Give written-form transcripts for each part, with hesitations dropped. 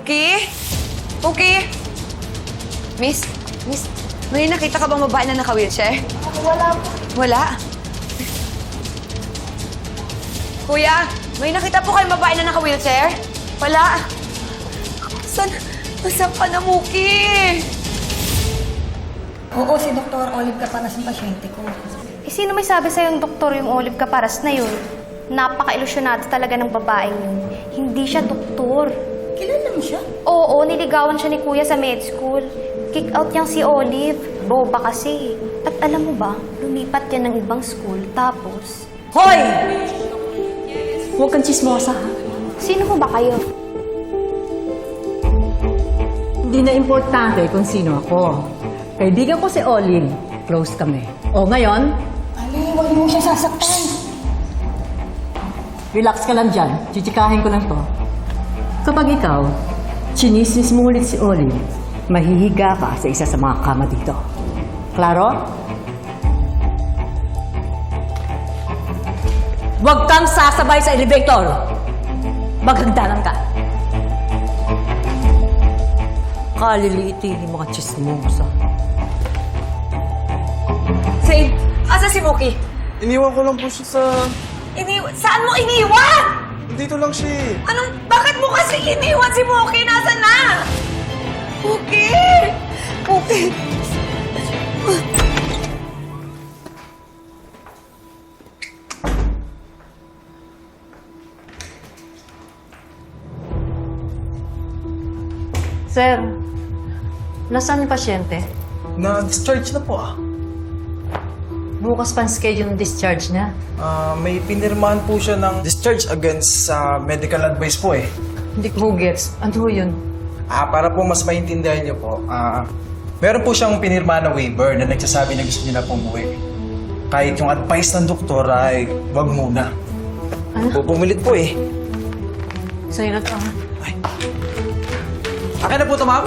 Mookie? Mookie? Miss, may nakita ka bang babae na naka-wheelchair? Wala po. Wala? Kuya, may nakita po kayong babae na naka-wheelchair? Wala? Nasaan ka na, Mookie? Oo, si Dr. Olive Caparas ang pasyente ko. Eh, sino may sabi sa'yo yung doktor yung Olive Caparas na yun? Napaka-ilusyonado talaga ng babaeng yun. Hindi siya doktor. Kilala mo siya? Oo, niligawan siya ni Kuya sa med school. Kick out niyang si Olive. Boba kasi. At alam mo ba, lumipat yan ng ibang school. Tapos... Hoy! Huwag kang chismosa, ha? Sino mo ba kayo? Hindi na importante kung sino ako. Kaibigan ko si Olive. Close kami. O ngayon, Ali, huwag mo siya sasaktan. relax ka lang dyan. Chichikahin ko lang to. Kapag ikaw, chinismis mo ulit si Olive, mahihiga ka sa isa sa mga kama dito. Klaro? Huwag kang sasabay sa elevator! Maghagdanan ka! Kaliliitin yung mga chismosa. Zane, asa si Mookie? Iniwan ko lang po siya sa... Saan mo iniwan? Dito lang siya eh. Bakit mo kasi iniwan si Mookie? Nasaan na? Mookie! Mookie! Sir, nasaan yung pasyente? Na-discharge na po ah. Bukas pa ang schedule ng discharge niya. May pinirmahan po siya ng discharge against sa medical advice po eh. Hindi ko gets. Ano yun? Para po mas maintindihan niyo po, meron po siyang pinirmahan na waiver na nagsasabi na gusto niya na pumuwi. Kahit yung advice ng doktor ay wag muna. Ano? Pumilit po eh. Sa'yo na to, ha? Akin na po ito, ma'am.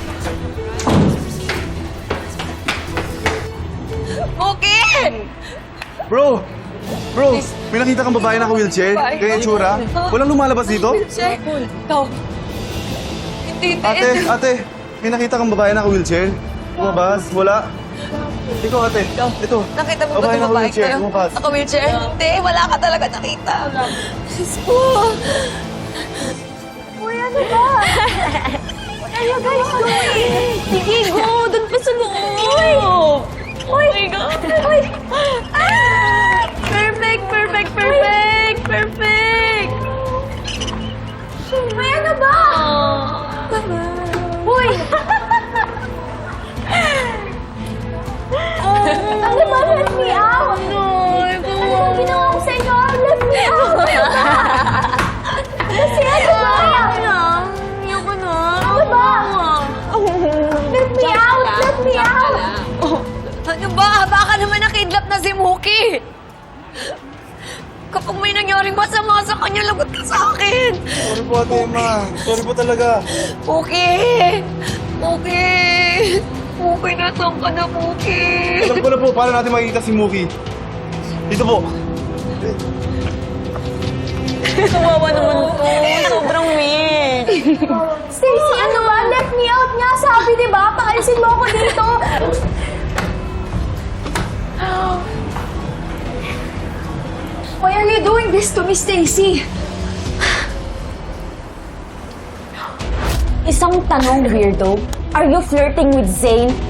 Mookie! Bro, may nakita kang babae na ka-wheelchair? Kaya yung tsura? Walang lumalabas dito? Wheelchair? Ikaw. Hindi, Ate, may nakita kang babae na ka-wheelchair? Lumabas? Wala? Ikaw, ate. Ito. Nakita mo ba itong babae ko? Lumabas. Naka-wheelchair? Hindi, wala ka talaga nakita. Diyos ko. Uy, ano ba? What are you guys doing? Sige, go! Doon pa sa loob! Uy! Oh my God! Uy! Ah! Perfect! May ano ba? Uy! Ano ba? Let me out! No! Ano ba ginawa ko sa inyo? Let me out! Kasi ano ba? Ayoko na. Ano ba? Let me out! Let me out! Ano ba? Baka naman nakidlap na si Mookie. Kapag may nangyaring masama sa kanya, lagot ka sa akin. Sorry po, ate Emma. Sorry po talaga. Mookie! Mookie, nasaan ka na, Mookie? Alam ko na po, paano natin makikita si Mookie? Dito po. Kawawa naman to. Sobrang weird. Stacy, ano ba? Let me out nga. Sabi, di ba? Paalisin mo ako dito. Why are you doing this to me, Stacy? Isang tanong, weirdo. Are you flirting with Zane?